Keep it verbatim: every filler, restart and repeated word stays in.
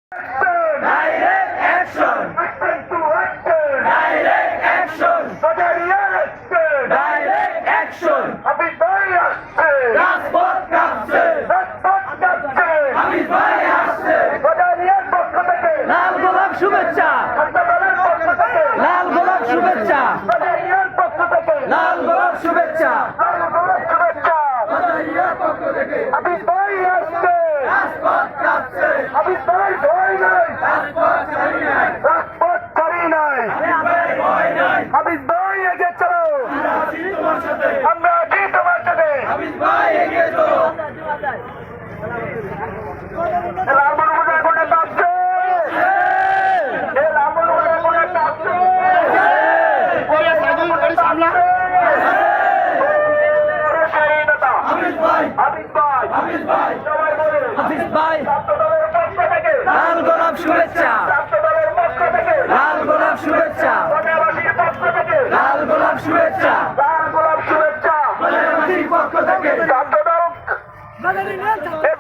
Direct action! Direct action! Direct action! রাজপথ কাঁপছে! হামিদ ভাই আসছে! লাল গোলাপ শুভেচ্ছা! লাল গোলাপ শুভেচ্ছা! লাল গোলাপ শুভেচ্ছা! হামিদ ভাই আসছে, রাজপথ কাঁপছে! হামিদ ভাই ভয় নাই, রাজপথ ছাড়ি নাই! রাজপথ ছাড়ি নাই, হামিদ ভাই ভয় নাই! হামিদ ভাই এগিয়ে চলো, আমরা আছি তোমার সাথে! আমরা আছি তোমার সাথে। হামিদ ভাই এগিয়ে চলো! লালমোহন বোঝায় কোনে কাঁপছে, এ লালমোহন বোঝায় কোনে কাঁপছে, স্বাধীনতা। হামিদ ভাই! হামিদ ভাই, হামিদ ভাই! সবাই বলে হামিদ ভাই! ছাত্র দলের পক্ষ থেকে, লাল গোলাপ শুভেচ্ছা! ছাত্র দলের পক্ষ থেকে, লাল গোলাপ শুভেচ্ছা! প্রজাবাসীর পক্ষ থেকে, লাল গোলাপ শুভেচ্ছা! লাল গোলাপ শুভেচ্ছা। প্রজাবাসীর পক্ষ থেকে ছাত্র দল